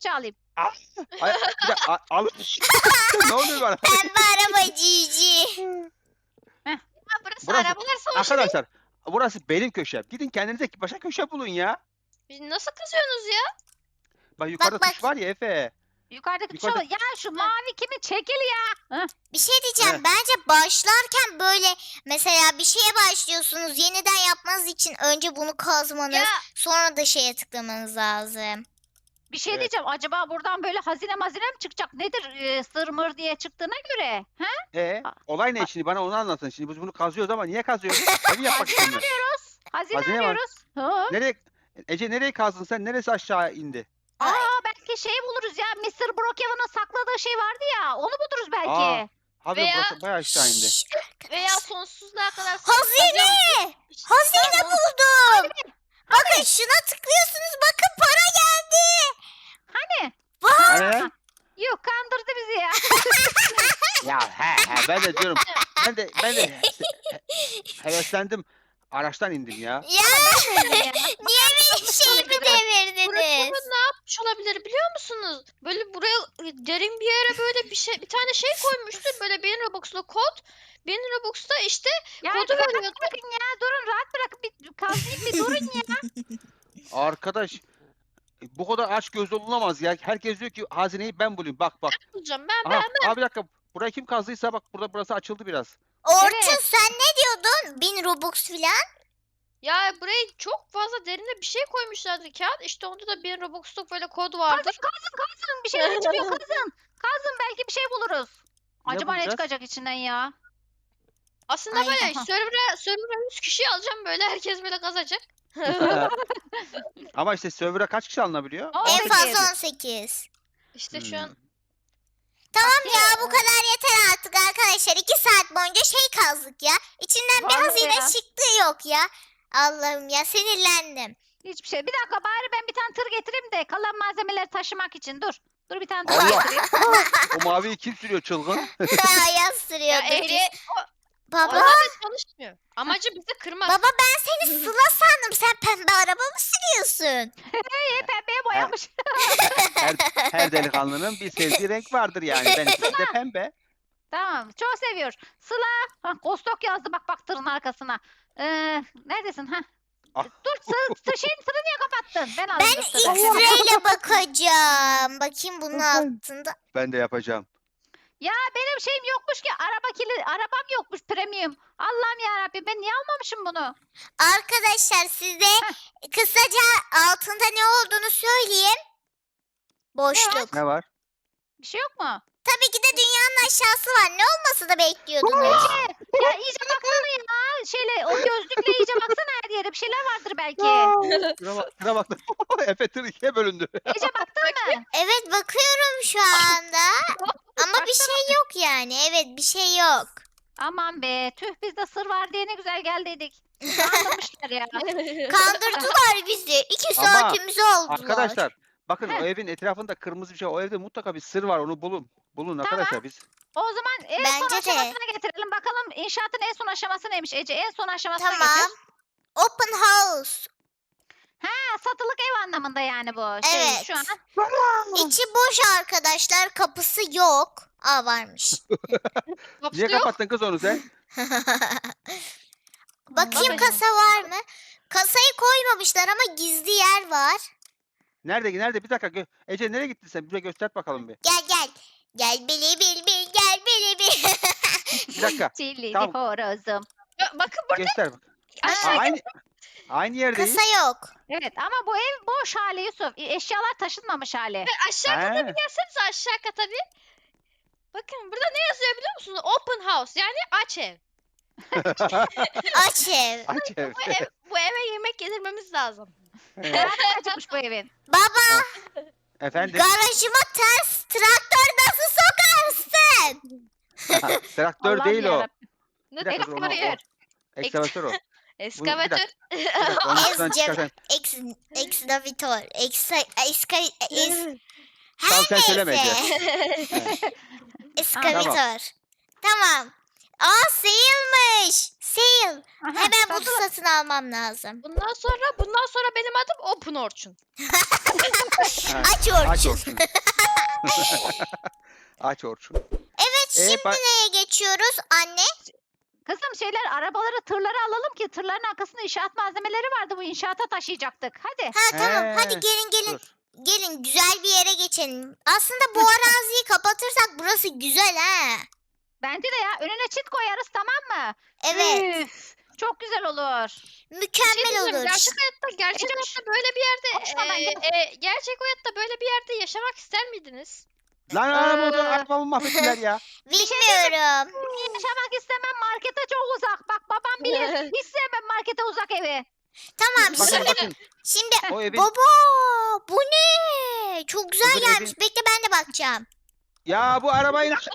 Speaker 3: kepçe alayım.
Speaker 2: Ay, bir de al. Ne oluyor bana?
Speaker 1: Pembe araba cici.
Speaker 4: Ha, burası
Speaker 2: Burası-
Speaker 4: arabalar savaşı değil.
Speaker 2: Arkadaşlar burası benim köşem. Gidin kendinize başka köşe bulun ya.
Speaker 4: Biz nasıl kızıyorsunuz ya?
Speaker 2: Bak yukarıda
Speaker 1: bak.
Speaker 2: tuş var ya Efe.
Speaker 3: Yukarıdaki
Speaker 2: Yukarıda-
Speaker 3: şu ya şu mavi kimin çekil ya. Heh.
Speaker 1: Bir şey diyeceğim. Bence başlarken böyle mesela bir şeye başlıyorsunuz. Yeniden yapmanız için önce bunu kazmanız,
Speaker 4: Ya
Speaker 1: sonra da şeye tıklamanız lazım.
Speaker 3: Bir şey
Speaker 2: Evet.
Speaker 3: diyeceğim. Acaba buradan böyle hazine mi çıkacak? Nedir sır mır diye çıktığına göre? Ha?
Speaker 2: Olay ne şimdi bana onu anlatın. Şimdi biz bunu kazıyoruz ama niye kazıyoruz? Evi yapmak için mi?
Speaker 3: Hazine
Speaker 2: Hazine var.
Speaker 3: arıyoruz. Ha.
Speaker 2: Nereye? Ece nereye kazdın sen? Neresi aşağı indi?
Speaker 3: Aa belki şey buluruz ya. Mr. Brookhaven'ın sakladığı şey vardı ya. Onu buluruz belki.
Speaker 2: Aa, Abi
Speaker 4: Veya-
Speaker 2: burası bayağı aşağı indi.
Speaker 1: Şşş,
Speaker 4: veya
Speaker 1: arkadaşlar.
Speaker 4: sonsuzluğa kadar
Speaker 1: Hazine! Hazine buldum. Bakın şuna tıklıyorsunuz. Bakın para geldi.
Speaker 3: Hani?
Speaker 2: Hani?
Speaker 3: Yok kandırdı bizi ya.
Speaker 2: Ya ben de diyorum. Ben de heveslendim. Araçtan indim ya.
Speaker 1: Ya niye benim şeyimi devirdiniz?
Speaker 4: Brookhaven ne yapmış olabilir biliyor musunuz? Böyle buraya derin bir yere böyle bir tane şey koymuştu. Böyle 1000 Robux'lu kod. 1000 Robux'ta işte
Speaker 3: Ya
Speaker 4: kodu
Speaker 3: rahat
Speaker 4: veriyordu.
Speaker 3: bırakın ya. Durun rahat bırakın. Bir kazayım bir durun ya.
Speaker 2: Arkadaş bu kadar aç göz olunamaz ya. Herkes diyor ki hazineyi ben bulayım. Bak.
Speaker 4: Bulacağım ben.
Speaker 2: Aha, abi bir dakika. Burayı kim kazdıysa bak burası açıldı biraz.
Speaker 1: Orçun
Speaker 3: Evet.
Speaker 1: sen ne diyordun? 1000 Robux filan.
Speaker 4: Ya buraya çok fazla derine bir şey koymuşlardı kağıt. İşte onda da 1000 Robux'luk böyle kod
Speaker 3: Kazın
Speaker 4: vardır.
Speaker 3: kazın. Bir şeyler çıkıyor kazın. Kazın belki bir şey buluruz.
Speaker 2: Ne
Speaker 3: Acaba ne
Speaker 2: bulacağız?
Speaker 3: çıkacak içinden ya?
Speaker 4: Aslında
Speaker 1: Ay,
Speaker 4: böyle
Speaker 3: aha.
Speaker 4: server'a 100 kişi alacağım böyle herkes böyle kazacak.
Speaker 2: Ama işte server'a kaç kişi alınabiliyor?
Speaker 3: Aa,
Speaker 1: En
Speaker 3: 18.
Speaker 1: fazla 18.
Speaker 4: İşte şu an
Speaker 1: Tamam ya bu kadar yeter artık arkadaşlar. 2 saat boyunca şey kazdık ya. İçinden bir
Speaker 3: Vallahi
Speaker 1: hazine
Speaker 3: ya.
Speaker 1: çıktı yok ya. Allah'ım ya sinirlendim.
Speaker 3: Hiçbir şey. Bir dakika bari ben bir tane tır getireyim de kalan malzemeleri taşımak için. Dur. Dur bir tane tır
Speaker 2: Allah!
Speaker 3: getireyim.
Speaker 2: O maviyi kim sürüyor çılgın?
Speaker 1: Yaz sürüyordu.
Speaker 4: ya ehliyet
Speaker 1: Baba,
Speaker 4: orada çalışmıyor. Amacı bizi kırmak.
Speaker 1: baba ben seni Sıla sandım. Sen pembe araba mı sürüyorsun?
Speaker 3: Pembeye boyamış.
Speaker 2: Her delikanlının bir sevdiği renk vardır yani. Benimki de pembe.
Speaker 3: Tamam. Çok seviyor. Sıla. Ha, Kostok yazdı bak tırın arkasına. Neredesin? Ha?
Speaker 2: Ah.
Speaker 3: Dur şeyin tırı niye kapattın? Ben
Speaker 1: Ben
Speaker 3: alayım. dur tırı.
Speaker 1: X-ray ile bakacağım. Bakayım bunun altında.
Speaker 2: Ben de yapacağım.
Speaker 3: Ya benim şeyim yokmuş ki. Arabam yokmuş premium. Allah'ım yarabbim ben niye almamışım bunu?
Speaker 1: Arkadaşlar size kısaca altında ne olduğunu söyleyeyim. Boşluk.
Speaker 2: Ne var?
Speaker 3: Bir şey yok mu?
Speaker 1: Tabii ki de dünyanın aşağısı var. Ne olması da bekliyordunuz.
Speaker 3: Ya iyice baksana ya. Şeyle o gözlükle iyice baksana her yere. Bir şeyler vardır belki.
Speaker 2: Şuna bak. Efe tır ikiye bölündü.
Speaker 3: İyice baktın mı?
Speaker 1: Evet bakıyorum şu anda. Ama bir şey yok yani. Evet bir şey yok.
Speaker 3: Aman be. Tüh bizde sır var diye ne güzel geldiydik. Kandırmışlar ya.
Speaker 1: Kandırdılar bizi. 2
Speaker 2: Ama
Speaker 1: saatimizi aldılar.
Speaker 2: Arkadaşlar bakın
Speaker 3: Heh.
Speaker 2: o evin etrafında kırmızı bir şey. O evde mutlaka bir sır var. Onu bulun. Bulun arkadaşlar biz.
Speaker 3: O zaman en son
Speaker 1: Bence de.
Speaker 3: aşamasına getirelim. Bakalım inşaatın en son aşaması neymiş Ece? En son aşamasına
Speaker 1: Tamam.
Speaker 3: getir.
Speaker 1: Open house.
Speaker 3: Ha, satılık ev anlamında yani bu şey
Speaker 1: Evet.
Speaker 3: şu an.
Speaker 1: İçi boş arkadaşlar. Kapısı yok. Aa varmış.
Speaker 4: Kapısı
Speaker 2: Niye
Speaker 4: yok.
Speaker 2: kapattın kız onu sen?
Speaker 1: Bakayım
Speaker 3: Bakacağım.
Speaker 1: kasa var mı? Kasayı koymamışlar ama gizli yer var.
Speaker 2: Nerede? Bir dakika. Ece nereye gittin sen? Bize göster bakalım bir.
Speaker 1: Gel. Gel bili bil bil gel bili bil.
Speaker 2: Bir dakika.
Speaker 3: Çilli
Speaker 2: Tamam.
Speaker 3: horozum.
Speaker 4: Bakın burada
Speaker 2: Göster bak.
Speaker 4: aşağı
Speaker 2: Aynı yerdeyiz.
Speaker 1: Kasa yok.
Speaker 3: Evet ama bu ev boş hali Yusuf. Eşyalar taşınmamış hali.
Speaker 4: aşağı kata
Speaker 2: He.
Speaker 4: bir gelsenize aşağı kata bir. Bakın burada ne yazıyor biliyor musunuz? Open house yani aç ev.
Speaker 1: Aç ev.
Speaker 2: Aç ev.
Speaker 4: Bu eve yemek yedirmemiz lazım.
Speaker 3: Nereden açılmış bu evin?
Speaker 1: Baba
Speaker 2: Efendim?
Speaker 1: garajıma ters traktör nasıl sokarsın?
Speaker 2: Traktör
Speaker 3: Allah'ım
Speaker 2: değil o.
Speaker 3: yarabbim.
Speaker 4: Ne
Speaker 2: Bir dakika,
Speaker 4: demek
Speaker 2: onu-
Speaker 4: oraya?
Speaker 2: Ekskavatör o.
Speaker 4: Eskavatör.
Speaker 2: Bir dakika, onu şuradan
Speaker 1: Ezcem,
Speaker 2: çıkarsan.
Speaker 1: ekskavatör,
Speaker 2: Tamam sen söyleme Ece.
Speaker 1: Eskavatör. Tamam. Aa sale'mış. Sale.
Speaker 3: Aha,
Speaker 1: Hemen bunu
Speaker 3: satılık.
Speaker 1: satın almam lazım.
Speaker 4: Bundan sonra benim adım Open Orçun.
Speaker 2: Ha,
Speaker 1: Aç
Speaker 2: Aç
Speaker 1: Orçun.
Speaker 2: Orçun. Aç Orçun.
Speaker 1: Evet şimdi
Speaker 2: bak-
Speaker 1: neye geçiyoruz anne?
Speaker 3: Kızım arabaları, tırları alalım ki tırların arkasında inşaat malzemeleri vardı. Bu inşaata taşıyacaktık. Hadi.
Speaker 1: Ha tamam hadi
Speaker 2: He,
Speaker 1: gelin.
Speaker 2: Dur.
Speaker 1: Gelin güzel bir yere geçelim. Aslında bu araziyi kapatırsak burası güzel ha.
Speaker 3: Bence de ya. Önüne çit koyarız, tamam mı?
Speaker 1: Evet
Speaker 3: Üf, çok güzel olur.
Speaker 1: mükemmel
Speaker 4: diyeceğim,
Speaker 1: olur.
Speaker 4: Gerçek
Speaker 3: Ece,
Speaker 4: hayatta böyle bir yerde
Speaker 3: konuşmadan
Speaker 4: gerçek hayatta böyle bir yerde yaşamak ister miydiniz?
Speaker 2: Lan arabamı mahvettiler ya.
Speaker 1: Bilmiyorum.
Speaker 3: Yaşamak istemem, markete çok uzak. Bak babam bilir. Hiç sevmem markete uzak evi.
Speaker 1: Tamam
Speaker 2: Bakın bakın.
Speaker 1: şimdi
Speaker 2: O evin
Speaker 1: baba bu ne? Çok güzel
Speaker 2: Öbür
Speaker 1: gelmiş.
Speaker 2: evin-
Speaker 1: Bekle ben de bakacağım.
Speaker 2: ya bu arabayı nasıl?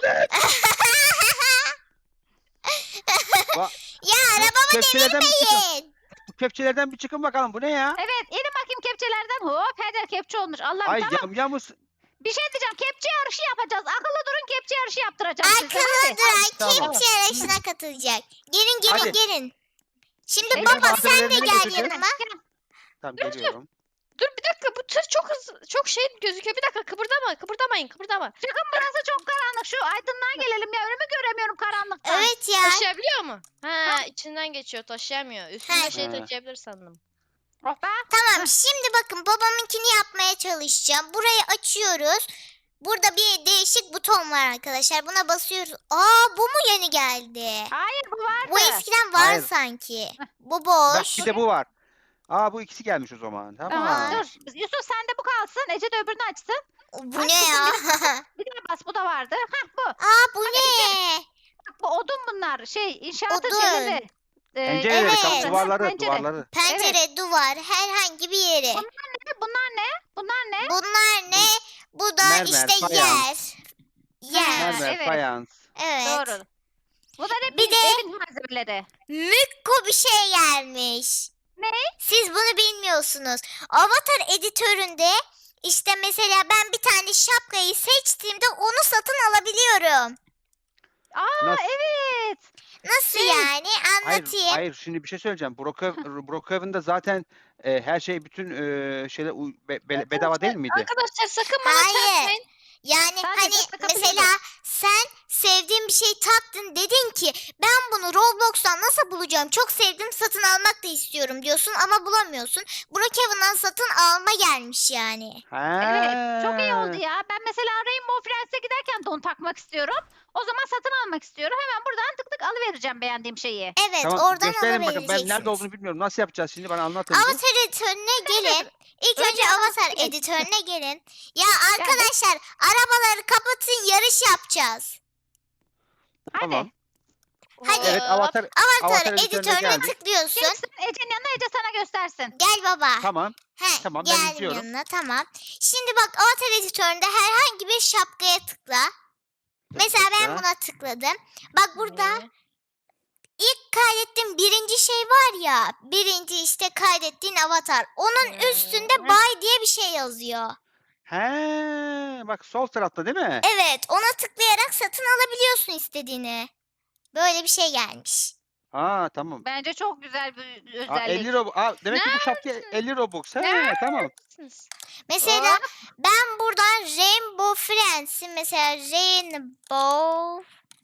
Speaker 1: Ya arabamı
Speaker 2: Kepçelerden bir çıkın.
Speaker 1: devirmeyin.
Speaker 2: Bu kepçelerden bir çıkın bakalım. Bu ne ya?
Speaker 3: Evet, inin bakayım kepçelerden. Hop, her yer kepçe olmuş. Allah'ım
Speaker 2: Ay
Speaker 3: tamam.
Speaker 2: yamyamız.
Speaker 3: Bir şey diyeceğim. Kepçe yarışı yapacağız. Akıllı durun, kepçe yarışı yaptıracağım size.
Speaker 1: Akıllı
Speaker 3: Hadi.
Speaker 1: duran
Speaker 2: Tamam.
Speaker 1: kepçe yarışına katılacak. Gelin
Speaker 2: Hadi.
Speaker 1: gelin. Şimdi
Speaker 3: Ece,
Speaker 1: baba sen de
Speaker 2: malzemelerini
Speaker 1: gel
Speaker 2: götüreceğiz.
Speaker 1: yanıma.
Speaker 2: Tamam geliyorum.
Speaker 4: Dur bir dakika, bu tır çok hızlı, çok şey gözüküyor. Bir dakika, kıpırdamayın.
Speaker 3: Çıkın, burası çok karanlık. Şu aydınlığa gelelim ya. Önümü göremiyorum karanlıktan.
Speaker 1: Evet ya.
Speaker 4: Taşıyabiliyor mu? Ha, içinden geçiyor, taşıyamıyor. Üstünde
Speaker 1: Ha.
Speaker 4: şey
Speaker 2: Ha.
Speaker 4: taşıyabilir sandım.
Speaker 3: Oh be.
Speaker 1: Tamam şimdi bakın babamınkini yapmaya çalışacağım. Burayı açıyoruz. Burada bir değişik buton var arkadaşlar. Buna basıyoruz. Aa bu mu yeni geldi?
Speaker 3: Hayır, bu vardı.
Speaker 1: Bu eskiden var
Speaker 2: Hayır.
Speaker 1: sanki. Bu
Speaker 2: Bak
Speaker 1: boş.
Speaker 2: bir de bu var. Aa bu ikisi gelmiş o zaman. Tamam.
Speaker 3: Tamam, dur. Yusuf sen de bu kalsın. Ece de öbürünü açsın.
Speaker 1: Bu ne ya?
Speaker 3: Bir daha bas, bu da vardı. Hah, bu.
Speaker 1: Aa bu ne?
Speaker 3: Bak, bu odun bunlar. İnşaatın
Speaker 1: Odun.
Speaker 3: şeyleri.
Speaker 2: Pencereleri,
Speaker 1: Evet.
Speaker 2: kapı duvarları,
Speaker 3: Pencere.
Speaker 2: duvarları.
Speaker 1: Pencere, duvar, herhangi bir yeri.
Speaker 3: Bunlar ne? Bunlar ne?
Speaker 1: Bunlar ne? Bu da
Speaker 2: Mermer,
Speaker 1: işte
Speaker 2: fayans.
Speaker 1: yer.
Speaker 2: Mermer,
Speaker 3: evet.
Speaker 2: fayans.
Speaker 1: Evet.
Speaker 3: Doğru. Bunlar hep
Speaker 1: Bir de-
Speaker 3: evin malzemeleri.
Speaker 1: Mükko bir şey gelmiş.
Speaker 3: Ne?
Speaker 1: Siz bunu bilmiyorsunuz. Avatar editöründe işte mesela ben bir tane şapkayı seçtiğimde onu satın alabiliyorum.
Speaker 3: Aa
Speaker 2: Nasıl?
Speaker 3: evet.
Speaker 1: Nasıl
Speaker 3: Şey,
Speaker 1: yani?
Speaker 2: Hayır,
Speaker 1: Anlatayım.
Speaker 2: hayır. Şimdi bir şey söyleyeceğim. Brookhaven'da zaten her şey bütün şeyler bedava değil miydi?
Speaker 4: Arkadaşlar sakın bana
Speaker 1: Hayır.
Speaker 4: çarpmayın.
Speaker 1: Yani
Speaker 3: Sadece
Speaker 1: hani
Speaker 3: takabiliyorum.
Speaker 1: mesela sen sevdiğin bir şey taktın dedin ki ben bunu Roblox'tan nasıl bulacağım? Çok sevdim satın almak da istiyorum diyorsun ama bulamıyorsun. Brookhaven'dan satın alma gelmiş yani.
Speaker 3: Evet. Çok iyi oldu ya. Ben mesela Rainbow Friends'e giderken don takmak istiyorum. O zaman satın almak istiyorum. Hemen buradan tık tık alıvereceğim beğendiğim şeyi.
Speaker 1: Evet
Speaker 2: Tamam,
Speaker 1: oradan
Speaker 2: gösterin bakın. Ben
Speaker 1: alabileceksiniz.
Speaker 2: nerede olduğunu bilmiyorum. Nasıl yapacağız şimdi? Bana anlatın. bir.
Speaker 1: Avatar editörüne gelin. İlk önce
Speaker 3: Önce
Speaker 1: Avatar
Speaker 3: Avatar
Speaker 1: editörüne gelin. Ya arkadaşlar arabaları kapatın yarış yapacağız.
Speaker 3: Hadi.
Speaker 2: Tamam.
Speaker 1: Hadi.
Speaker 2: Evet, Avatar
Speaker 1: Avatar
Speaker 2: editörüne
Speaker 1: editörüne
Speaker 2: geldik.
Speaker 1: tıklıyorsun.
Speaker 3: Gelsin Ece'nin yanına, Ece sana göstersin.
Speaker 1: Gel baba.
Speaker 2: Tamam.
Speaker 1: He,
Speaker 2: Tamam, ben
Speaker 1: geldim
Speaker 2: izliyorum.
Speaker 1: yanına tamam. Şimdi bak Avatar editöründe herhangi bir şapkaya tıkla. Mesela ben
Speaker 2: tıkla.
Speaker 1: buna tıkladım. Bak burada ilk kaydettiğim birinci şey var ya. Birinci işte kaydettiğin avatar. Onun üstünde buy diye bir şey yazıyor.
Speaker 2: He, bak sol tarafta değil mi?
Speaker 1: Evet ona tıklayarak satın alabiliyorsun istediğini. Böyle bir şey gelmiş.
Speaker 2: Aa tamam.
Speaker 3: Bence çok güzel bir
Speaker 2: Aa,
Speaker 3: özellik.
Speaker 2: 50 Robux. Aa, demek ki bu şapka 50 Robux. He, tamam.
Speaker 1: Mesela
Speaker 3: Hop.
Speaker 1: ben buradan Rainbow Friends'i mesela Rainbow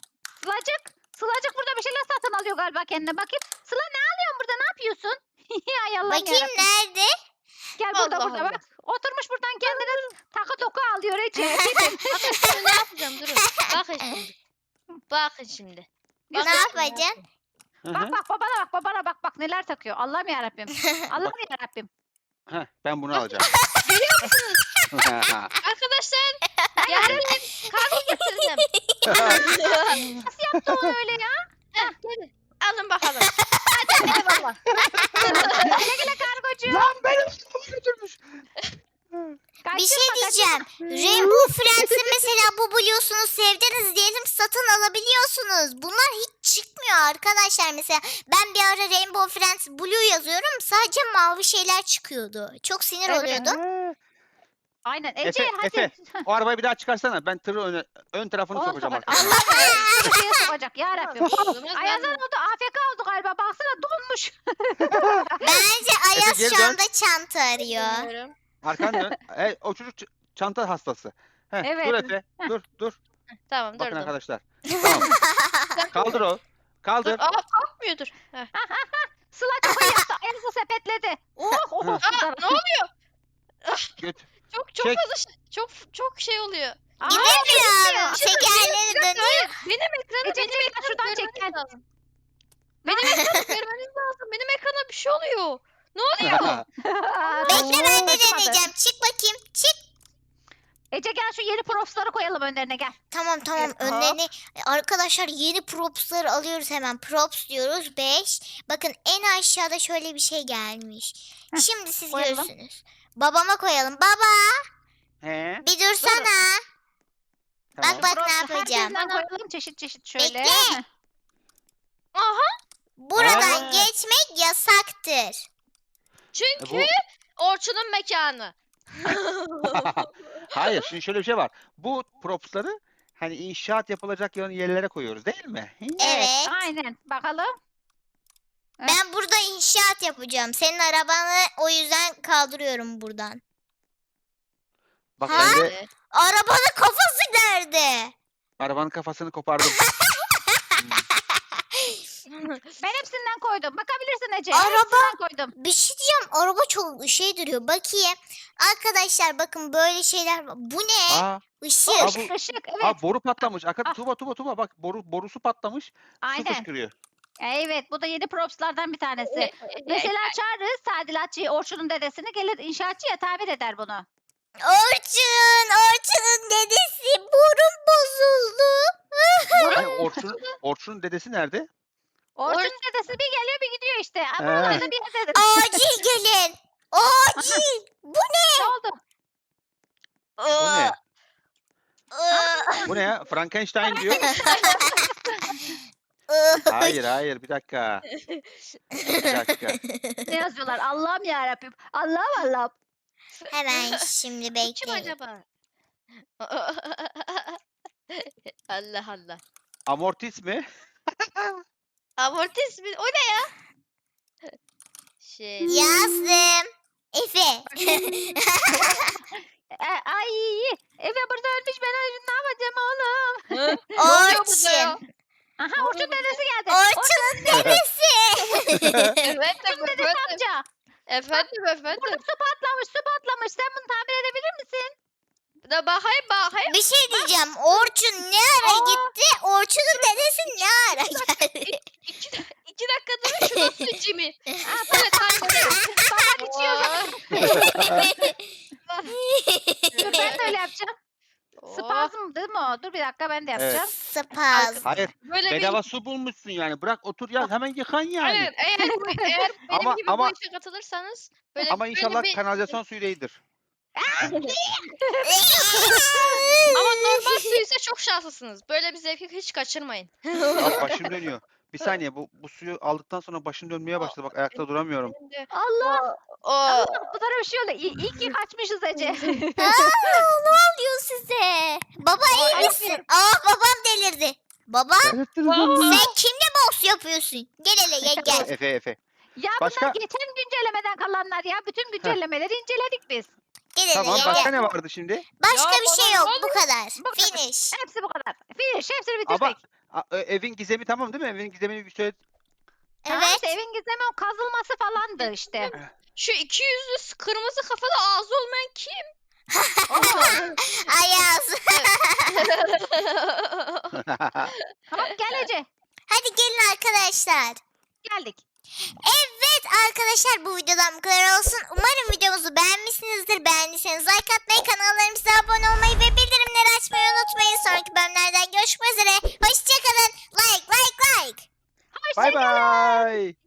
Speaker 3: Sılacık burada bir şeyler satın alıyor galiba kendine. Bakayım. Sıla ne alıyorsun burada? Ne yapıyorsun? Ay Allah'ım
Speaker 1: bakayım
Speaker 3: yarabbim.
Speaker 1: nerede?
Speaker 3: Gel burada
Speaker 4: Allah
Speaker 3: burada
Speaker 4: Allah.
Speaker 3: bak. Oturmuş buradan kendine takı doku alıyor Ece.
Speaker 4: Bakın şimdi ne yapacağım, durun. Bakın şimdi. Bakın şimdi.
Speaker 1: Ne
Speaker 4: Bakın
Speaker 1: yapacaksın?
Speaker 2: Hı hı.
Speaker 3: Bak babana bak neler takıyor. Allah'ım yarabbim. Allah'ım yarabbim.
Speaker 2: Heh, ben bunu alacağım.
Speaker 4: Arkadaşlar yarın kargo getirdim.
Speaker 3: Nasıl yaptı o öyle ya?
Speaker 4: Heh, gelin. Alın bakalım. Hadi eyvallah.
Speaker 3: Güle güle kargocu.
Speaker 2: Lan benim arabamı götürmüş.
Speaker 1: Bir şey
Speaker 3: Kaçırma,
Speaker 1: diyeceğim.
Speaker 3: kaçırma.
Speaker 1: Rainbow Friends'i mesela bu buluyorsunuz sevdiniz diyelim satın alabiliyorsunuz. Bunlar hiç çıkmıyor arkadaşlar. Mesela ben bir ara Rainbow Friends Blue yazıyorum sadece mavi şeyler çıkıyordu. Çok sinir
Speaker 3: Evet.
Speaker 1: oluyordum.
Speaker 2: He.
Speaker 3: Aynen Ece hadi.
Speaker 2: Efe. O arabayı bir daha çıkarsana. Ben tırı ön tarafını
Speaker 3: Onu
Speaker 2: sokacağım
Speaker 3: sokacak.
Speaker 2: arkasına.
Speaker 3: Allah Ece'ye sokacak yarabbim.
Speaker 4: Olmaz,
Speaker 3: Ayazan
Speaker 4: ben-
Speaker 3: oldu AFK oldu galiba. Baksana donmuş.
Speaker 1: Bence Ayaz
Speaker 2: geri
Speaker 1: şu
Speaker 2: dön.
Speaker 1: anda çanta arıyor.
Speaker 4: Bilmiyorum.
Speaker 2: Arkan dön. O çocuk çanta hastası. Dur
Speaker 3: Evet.
Speaker 2: Efe. Dur.
Speaker 4: Tamam
Speaker 2: Bakın
Speaker 4: durdum.
Speaker 2: arkadaşlar. Tamam. Kaldır o.
Speaker 4: Dur.
Speaker 2: Kaldır.
Speaker 4: Kalkmıyor dur. Heh.
Speaker 3: Sıla çok iyi yaptı. Ayazı sepetledi. Oh.
Speaker 4: Ne oluyor?
Speaker 2: Göt.
Speaker 4: Çok
Speaker 2: Çek.
Speaker 4: fazla çok şey oluyor.
Speaker 1: Gidemiyorum. Tekerleri dönüyor.
Speaker 4: Benim ekranı
Speaker 3: Ece,
Speaker 4: benim
Speaker 3: gel şuradan
Speaker 4: ekranı
Speaker 3: çek,
Speaker 4: görmeniz
Speaker 3: gel.
Speaker 4: lazım. Benim ekranı görmeniz lazım. Benim ekrana bir şey oluyor. Ne oluyor?
Speaker 1: Bekle ben de
Speaker 3: Olmadı.
Speaker 1: deneyeceğim. Çık bakayım. Çık.
Speaker 3: Ece gel şu yeni propsları koyalım önlerine gel.
Speaker 1: Tamam
Speaker 4: Evet,
Speaker 1: önlerini arkadaşlar yeni propsları alıyoruz hemen. Props diyoruz 5. Bakın en aşağıda şöyle bir şey gelmiş.
Speaker 3: Heh,
Speaker 1: Şimdi siz
Speaker 3: koyalım.
Speaker 1: görürsünüz. Babama koyalım. Baba
Speaker 2: He.
Speaker 1: bir dursana.
Speaker 2: Tamam.
Speaker 1: Bak ne
Speaker 3: Props'u
Speaker 1: yapacağım.
Speaker 3: herkesinden koyalım çeşit şöyle.
Speaker 1: Bekle.
Speaker 3: Heh.
Speaker 4: Aha.
Speaker 1: Buradan
Speaker 2: Aa.
Speaker 1: geçmek yasaktır.
Speaker 4: Çünkü
Speaker 2: Bu
Speaker 4: Orçun'un mekanı.
Speaker 2: hayır, şimdi şöyle bir şey var. Bu propsları hani inşaat yapılacak yerlere koyuyoruz değil mi?
Speaker 1: Evet.
Speaker 3: Aynen. Bakalım.
Speaker 1: Ben burada inşaat yapacağım. Senin arabanı o yüzden kaldırıyorum buradan.
Speaker 2: Bak
Speaker 1: Ha?
Speaker 2: ben de
Speaker 1: Arabanın kafası nerede?
Speaker 2: arabanın kafasını kopardım.
Speaker 3: Ben hepsinden koydum. Bakabilirsin Ece.
Speaker 1: Araba-
Speaker 3: Hepsinden koydum.
Speaker 1: Bir şey diyeceğim. Araba çok şey duruyor. Bakayım. Arkadaşlar bakın böyle şeyler var. Bu ne?
Speaker 2: Aa,
Speaker 1: Işık.
Speaker 2: Aa, bu-
Speaker 3: Işık evet.
Speaker 2: boru patlamış.
Speaker 3: Ah.
Speaker 2: Tuba bak borusu patlamış. Su
Speaker 3: Aynen.
Speaker 2: fışkırıyor.
Speaker 3: Evet bu da yeni propslardan bir tanesi. Mesela çağırırız tadilatçıyı Orçun'un dedesini gelir inşaatçıya tamir eder bunu.
Speaker 1: Orçun'un dedesi burun bozuldu.
Speaker 2: Hani Orçun'un dedesi nerede?
Speaker 3: Orçun'un dedesi bir geliyor bir gidiyor işte. Aa,
Speaker 2: He.
Speaker 3: buralarda bir yerdedir.
Speaker 1: Acil gelin. Acil. Bu
Speaker 3: Ne oldu?
Speaker 2: Bu ne?
Speaker 1: ne?
Speaker 2: Bu ne ya? Frankenstein diyor. Hayır bir dakika. Bir dakika.
Speaker 3: Ne yazıyorlar? Allah'ım yarabbim. Allah'ım.
Speaker 1: Hemen şimdi
Speaker 4: Kim
Speaker 1: bekleyin.
Speaker 4: acaba? Allah Allah.
Speaker 2: Amortis mi?
Speaker 4: Amortis mi? O ne ya? Şey.
Speaker 1: Yazdım. Efe.
Speaker 3: Ay Eve burada ölmüş ben ne yapacağım oğlum?
Speaker 4: Ne oluyor burada ya?
Speaker 1: Orçun.
Speaker 3: Aha Orçun dedesi geldi.
Speaker 1: Orçun'un dedesi.
Speaker 4: Efendim efendim.
Speaker 3: Amca.
Speaker 4: Efendim
Speaker 3: Burada
Speaker 4: efendim.
Speaker 3: su patlamış. Sen bunu tamir edebilir misin?
Speaker 4: Da bakayım.
Speaker 1: Bir şey diyeceğim. Orçun ne ara gitti? Orçun'un dedesi ne ara geldi?
Speaker 4: İki dakika durun şuradan su içimi. Evet
Speaker 3: Baban içiyor. Dur ben de öyle yapacağım. Spazm değil mi o? Dur bir dakika ben de yapacağım.
Speaker 1: Spaz.
Speaker 2: Hayır.
Speaker 4: Böyle bir
Speaker 2: Bedava su bulmuşsun yani. Bırak otur ya hemen yıkan yani.
Speaker 4: Aynen. Eğer benim
Speaker 2: Ama-
Speaker 4: gibi
Speaker 2: ama-
Speaker 4: bu işe katılırsanız böyle
Speaker 2: Ama
Speaker 4: böyle
Speaker 2: inşallah
Speaker 4: bir-
Speaker 2: kanalizasyon suyu değildir.
Speaker 4: ama normal su ise çok şanslısınız. Böyle bir zevki hiç kaçırmayın.
Speaker 2: Bak başım dönüyor. Bir saniye bu suyu aldıktan sonra başım dönmeye başladı. Bak ayakta duramıyorum.
Speaker 4: Benim de
Speaker 3: Allah.
Speaker 4: o
Speaker 3: Allah. Bu tarafa bir şey oluyor. İyi ki kaçmışız Ece.
Speaker 1: Ne oluyor size? Baba iyi misin? Babam delirdi. Baba sen kimle boks yapıyorsun? Gel hele gel.
Speaker 2: Efe.
Speaker 3: Ya
Speaker 2: Başka-
Speaker 3: bunlar geçen güncellemeden kalanlar ya. Bütün güncellemeleri inceledik biz.
Speaker 1: Gel hele
Speaker 2: Tamam
Speaker 1: gel.
Speaker 2: başka ne vardı şimdi?
Speaker 1: Başka
Speaker 4: Ya
Speaker 1: bir şey
Speaker 4: bana
Speaker 1: yok.
Speaker 4: ne
Speaker 1: Bu kadar.
Speaker 3: Bu kadar.
Speaker 1: Finish.
Speaker 3: Hepsi bu kadar. Finish. Hepsini
Speaker 2: Ama
Speaker 3: bitirdik.
Speaker 2: evin gizemi tamam değil mi? Evin gizemini bir söyle.
Speaker 3: Tamam
Speaker 1: Evet.
Speaker 3: işte evin gizemi o kazılması falandı işte.
Speaker 4: şu iki yüzlü kırmızı kafalı ağzı olmayan kim?
Speaker 1: Ayaz.
Speaker 3: Tamam gel Ece.
Speaker 1: Hadi gelin arkadaşlar.
Speaker 3: Geldik.
Speaker 1: Evet arkadaşlar bu videodan bu kadar olsun. Umarım videomuzu beğenmişsinizdir. Beğendiyseniz like atmayı, kanallarımıza abone olmayı ve bildirimleri açmayı unutmayın. Sonraki bölümlerden görüşmek üzere. Hoşçakalın. Like.
Speaker 2: Bay bay.